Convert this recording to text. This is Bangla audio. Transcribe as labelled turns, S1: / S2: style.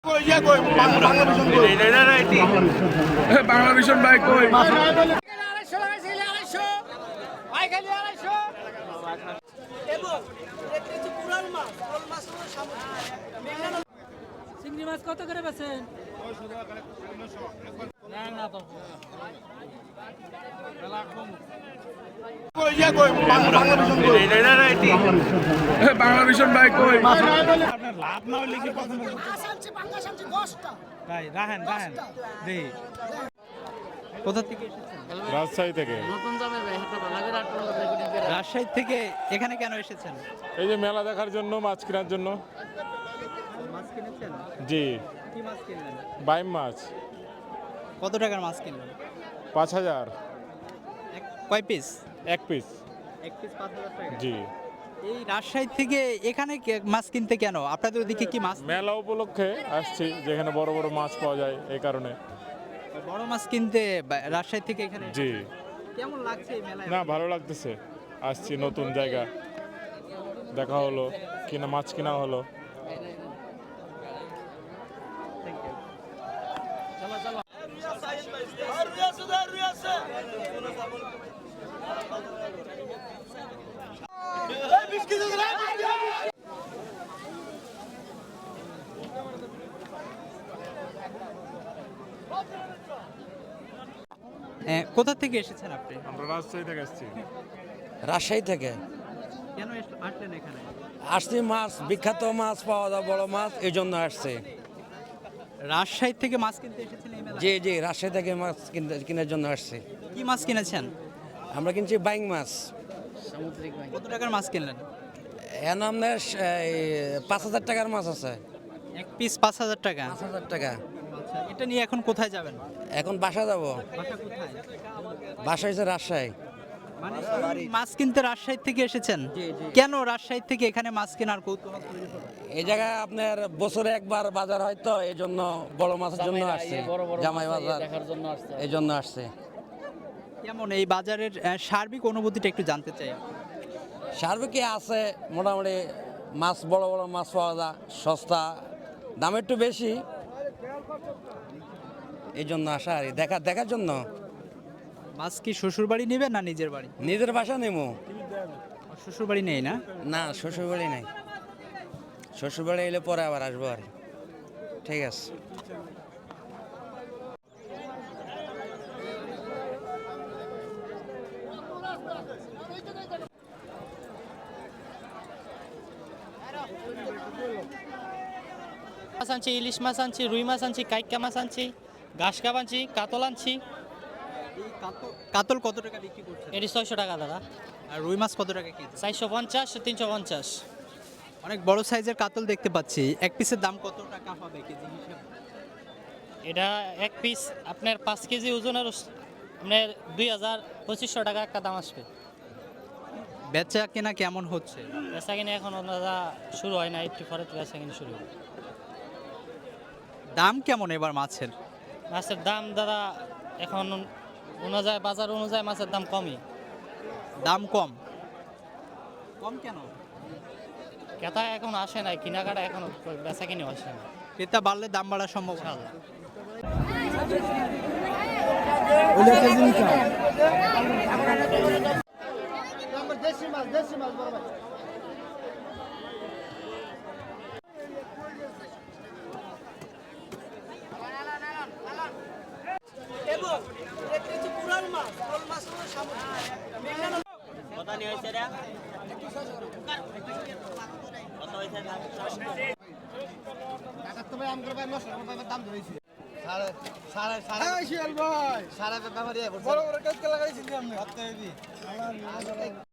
S1: বাংলা ভিশন ভাই কই
S2: চিংড়ি মাছ কত করে বেছেন?
S1: বাংলা ভিশন ভাই কই
S3: লাভ না হলে কি পছন্দ তাই রাহেন রাহেন দেই
S4: কোথা থেকে এসেছেন?
S5: রাজশাহী থেকে।
S4: রাজশাহী থেকে এখানে কেন এসেছেন?
S5: এই যে মেলা দেখার জন্য, মাছ কেনার জন্য।
S4: মাছ কিনেছেন?
S5: জি।
S4: কি মাছ কিনলেন?
S5: বাইম মাছ।
S4: কত টাকার মাছ কিনলেন?
S5: 5000।
S4: কয় পিস?
S5: এক পিস।
S4: এক পিস 5000 টাকা।
S5: জি।
S4: এই রাজশাহী থেকে এখানে মাছ কিনতে কেন? আপনাদের ওদিকে কি মাছ?
S5: মেলা উপলক্ষে আসছি, যেখানে বড় বড় মাছ পাওয়া যায়, এই কারণে।
S4: বড় মাছ কিনতে রাজশাহী থেকে এখানে?
S5: জি।
S4: কেমন লাগছে এই মেলায়?
S5: না, ভালো লাগতেছে। আসছি, নতুন জায়গা দেখা হলো, কিনা মাছ কিনা হলো।
S4: কোথা থেকে এসেছেন আপনি?
S5: আমরা রাজশাহী থেকে আসছি।
S6: রাজশাহী থেকে
S4: কেন আসলেন এখানে?
S6: আসছি, মাছ বিখ্যাত মাছ পাওয়া যায়, বড় মাছ, এই জন্য আসছে।
S4: রাজশাহী থেকে মাছ কিনতে এসেছেন এই মেলায়?
S6: জি জি, রাজশাহী থেকে মাছ কেনার জন্য আসছে।
S4: কি মাছ কিনেছেন?
S6: আমরা কিনছি বাইং মাছ।
S4: কত টাকার মাছ কিনলেন?
S6: এর নাম 5000 টাকার মাছ আছে।
S4: এক পিস 5000 টাকা।
S6: 5000 টাকা।
S4: আচ্ছা, এটা নিয়ে এখন কোথায় যাবেন?
S6: এখন বাসা যাব।
S4: বাসা কোথায়?
S6: বাসা হচ্ছে রাজশাহী।
S4: মানে এই মাছ কিনতে রাজশাহী থেকে এসেছেন? কেন রাজশাহী থেকে এখানে মাছ কেনার কৌতূহল তৈরি হলো?
S6: এই জায়গায় আপনার বছরে একবার বাজার হয়, তো এই জন্য বড় মাছের জন্য আসছে। জামাই বাজার এই জন্য আসছে।
S4: কেমন এই বাজারের সার্বিক অনুভূতিটা একটু জানতে চাই।
S6: সার্বিক আছে, মোটামুটি মাছ, বড় বড় মাছ পাওয়া যায়, সস্তা, দাম একটু বেশি, এই জন্য আসা আর কি, দেখার জন্য।
S4: মাছ কি শ্বশুর বাড়ি নেবেন না নিজের বাড়ি?
S6: নিজের বাসা নেবো।
S4: শ্বশুর বাড়ি নেই না?
S6: না, শ্বশুর বাড়ি নাই। শ্বশুর বাড়ি এলে পরে আবার আসবো আর কি। ঠিক আছে।
S2: মাছ আনছি, ইলিশ মাছ আনছি, রুই মাছ আনছি, কাইকা মাছ আনছি, ঘাস কাপ আনছি, কাতল আনছি।
S4: এই কাতল কত টাকা বিক্রি করছেন?
S2: এটি 600 টাকা দাদা।
S4: আর রুই মাছ কত টাকা কেজি?
S2: 450, 350।
S4: অনেক বড় সাইজের কাতল দেখতে পাচ্ছি। এক পিসের দাম কত টাকা হবে কেজি হিসেবে?
S2: এটা এক পিস আপনার 5 কেজি ওজনের আপনার 2500 টাকা একটা দাম আসবে।
S4: বেচা কেনা কেমন হচ্ছে?
S2: বেচা কিনে এখন দাদা শুরু হয় না, একটু পরে বেচা কিনে শুরু হবে।
S4: দাম কেমন এবার মাছের?
S2: মাছের দাম দাদা এখন অনুযায়ী, বাজার অনুযায়ী মাছের দাম কমই।
S4: দাম কম? কম কেন?
S2: ক্রেতা এখন আসে না, কেনাকাটা এখন বেচা কিনে আসে না।
S4: ক্রেতা বাড়লে দাম বাড়ার সম্ভাবনা।
S3: সারা ব্যাপারে বড় বড় কাজ লাগাইছি আমি